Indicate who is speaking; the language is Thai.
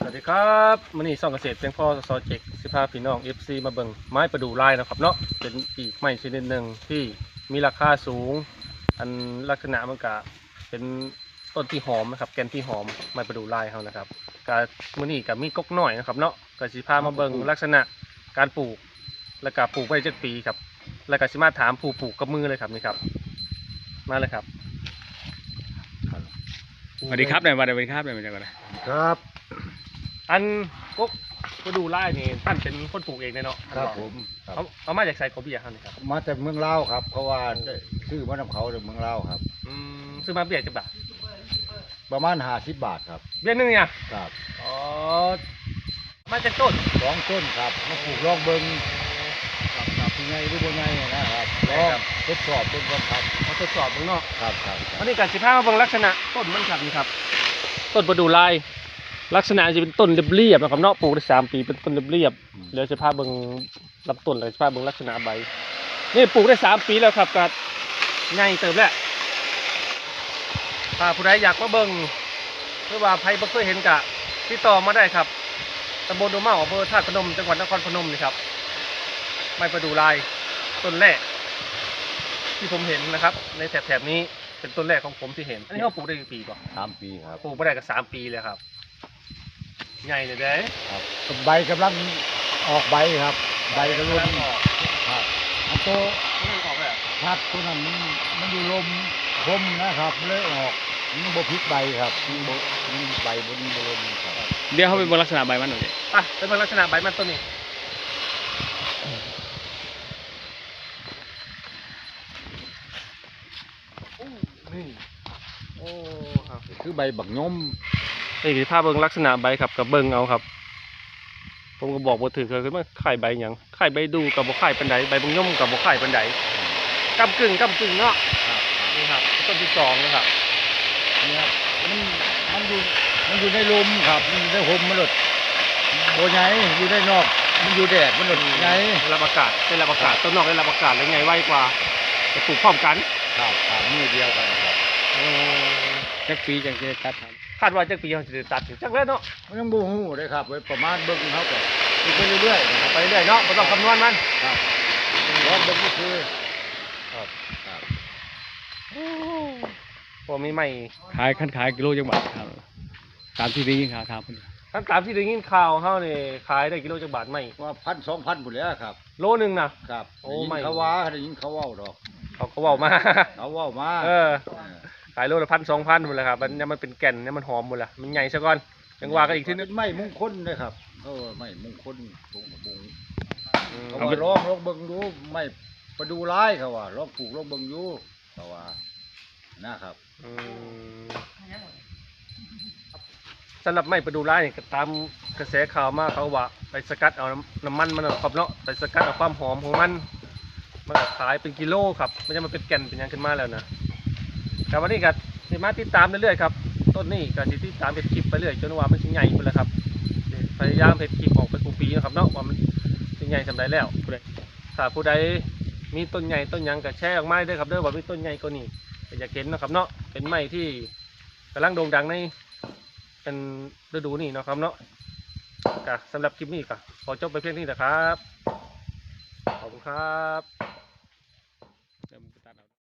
Speaker 1: สวัสดีครับมื้อนี้ซ่องเกษตรเพียงพอซอเจกสิพาพี่น้อง FC มาเบิ่งไม้ประดู่ลายนะครับเนาะเป็นอีกไม้ชนิดหนึ่งที่มีราคาสูงอันลักษณะมันก็เป็นต้นที่หอมนะครับแกนที่หอมไม้ประดู่ลายเขานะครับก็มื้อนี้ก็มีก๊กน้อยนะครับเนาะก็สิพามาเบิ่งลักษณะการปลูกแล้วก็ปลูกไว้จักปีครับแล้วก็สิมาถามผู้ปลูกกับมือเลยครับนี่ครับมาเลยครับ
Speaker 2: สวัสดีครับนายวันสวัสดีครับนายมาจากไหน
Speaker 3: ครับ
Speaker 1: อันก๊กประดู่ลายนี่ท่านเป็นคนปลูกเองเลยเนาะ
Speaker 3: ครับผมครับ
Speaker 1: เอามาจากไซโคเบียครับนี่ครับ
Speaker 3: มาจากเมืองลาวครับเพราะว่าได้ซื้อมานำเขาจากเมืองลาวครับ
Speaker 1: ซื้อมาเบียดจังบาท
Speaker 3: ประมาณ50 บาทครับ
Speaker 1: เบียดนึงเนี่ย
Speaker 3: ครับ
Speaker 1: อ๋อมาจากต้น
Speaker 3: 2 ต้นครับมาปลูกลองเบิ้งครับเป็นไงหรือบ่ไงนะครับลองทดสอบเบิ้งก่อนครับ
Speaker 1: มาทดสอบเบิ่งเนาะ
Speaker 3: ครับครับ
Speaker 1: อันนี้การสิพามาเบิ่งลักษณะต้นมันครับนี่ครับต้นประดู่ลายลักษณะจะเป็นต้นเรียบๆนะครับเนาะปลูกได้3 ปีเป็นต้นเรียบๆเดี๋ยวสิพาเบิ่งลำต้นเลยสิพาเบิ่งลักษณะใบนี่ปลูกได้3 ปีแล้วครับก็ใหญ่เติบแล้วถ้าผู้ใดอยากมาเบิ่งหรือว่าใครบ่เคยเห็นก็ติดต่อมาได้ครับตำบลโดเมาอำเภอธาตุพนมจังหวัดนครพนมนี่ครับไม้ประดู่ลายต้นแรกที่ผมเห็นนะครับในแถบนี้เป็นต้นแรกของผมที่เห็นอันนี้เขาปลูกได้กี่ปีก่อน
Speaker 3: 3 ปีครับ
Speaker 1: ปลูกไม่ได้ก็3 ปีเลยครับใหญ่เลยเด้
Speaker 3: ครับใบกำลังออกใบครับ ใบกำลัง
Speaker 1: ออก
Speaker 3: ครับอันโต
Speaker 1: กำลังออกเลยอะ
Speaker 3: พัดตัวนั้นมันอยู่ลมคมนะครับเลยออกมันบ่พลิกใบครับมันใบบนลมครับ
Speaker 2: เดี๋ยวเขาไปบนลักษณะใบมันหน่อยดิ
Speaker 1: อ่ะเป็นลักษณะใบมันต้นนี้นี่โอ้ครับ
Speaker 3: คือใบบักย่อม
Speaker 1: นี่คือภาพเบิ่งลักษณะใบครับกับเบิ่งเอาครับ ผมก็บอกบ่ถือเคยขึ้นมาไข่ใบหยังไข่ใบดูกับบ่ไข่ปันใดใบบางย่อมกับบ่ไข่ปันใดกำกึ่งเนาะ
Speaker 3: ครับ
Speaker 1: นี่ครับต้นที่2นะครับ
Speaker 3: เนี่ยมันอยู่ในลมครับมันอยู่ในห่มมันหลดโบใหญ่อยู่ในนอกมันอยู่แดดมันหลดใหญ่
Speaker 1: ได้รับอากาศต้นนอกได้รับอากาศแล้วไงไวกว่าจะปลูกพร้อมกัน
Speaker 3: ครับครับมือเดียวกันครับ
Speaker 2: จักปีจังจะตัดทัน
Speaker 1: คาดว่าจักปีเขาจะได้ตัดถึงจักแล้วเนาะ
Speaker 3: มันยังบูฮู้เลยครับไว้ประมาณเบิ่งเขาก็ไปเรื่อยๆนะครับ
Speaker 1: ไปเรื่อยเนาะบ่ต้องคำนวณมัน
Speaker 3: ครับรอบเบิ่งก็คือ
Speaker 1: ครับ
Speaker 3: ครับ
Speaker 1: พอมีใหม่
Speaker 2: ขายขั้นขายกิโลจังหวัดครับตามที่ได้ยินข่าวถามเพิ่น
Speaker 1: ทั้งตามที่ได้ยินข่าวเฮานี่ขายได้กิโลจักบาทใหม่
Speaker 3: ว่า1,000-2,000พุ่นแหล้วครับ
Speaker 1: โลนึงนะครับ โอ้
Speaker 3: ได้ยิน
Speaker 1: ไม่
Speaker 3: เขาว่าได้ยินเขาเว้าดอก
Speaker 1: เขาก็เว้ามา
Speaker 3: เขาเว้ามา
Speaker 1: เออขายโลละ1,000 2,000หมดแล้วครับมันเป็นแก่นเนี่ยมันหอมหมดละมันใหญ่ซะก่อนจังว่ากันอีกทีนึง
Speaker 3: เป็นไม้มงคลเลยครับไม้มงคลตรงบุง
Speaker 1: อืม
Speaker 3: เขาว่าลองเบิ่งดูไม่ประดูร้ายเขาว่าลองปลูกลองเบิ่งอยู่เขาว่านะครับ
Speaker 1: อืมสำหรับไม้ประดู่ลายนี่ก็ตามกระแสข่าวมาเขาว่าไปสกัดเอาน้ำมันมันครับเนาะไปสกัดเอาความหอมของมันก็ขายเป็นกิโลครับไม่ใช่มันเป็นแก่นเป็นหยังขึ้นมาแล้วนะแต่วันนี้ก็สิมาติดตามเรื่อยๆครับต้นนี้ก็สิติดตามเพจคลิปไปเรื่อยจนว่ามันสิใหญ่ไปแล้วครับพยายามเพจคลิปออกไปทุกปีนะครับเนาะว่ามันสิใหญ่สำใดแล้วถ้าผู้ใดมีต้นใหญ่ต้นหยังก็แชร์ออกมาด้วยครับเด้อว่ามีต้นใหญ่กว่านี้ก็อยากเห็นนะครับเนาะเป็นไม้ที่กำลังโด่งดังในเป็นฤดูนี้เนาะครับเนาะก็สำหรับคลิปนี้ก็ขอจบไปเพียงเท่านี้นะครับขอบคุณครับ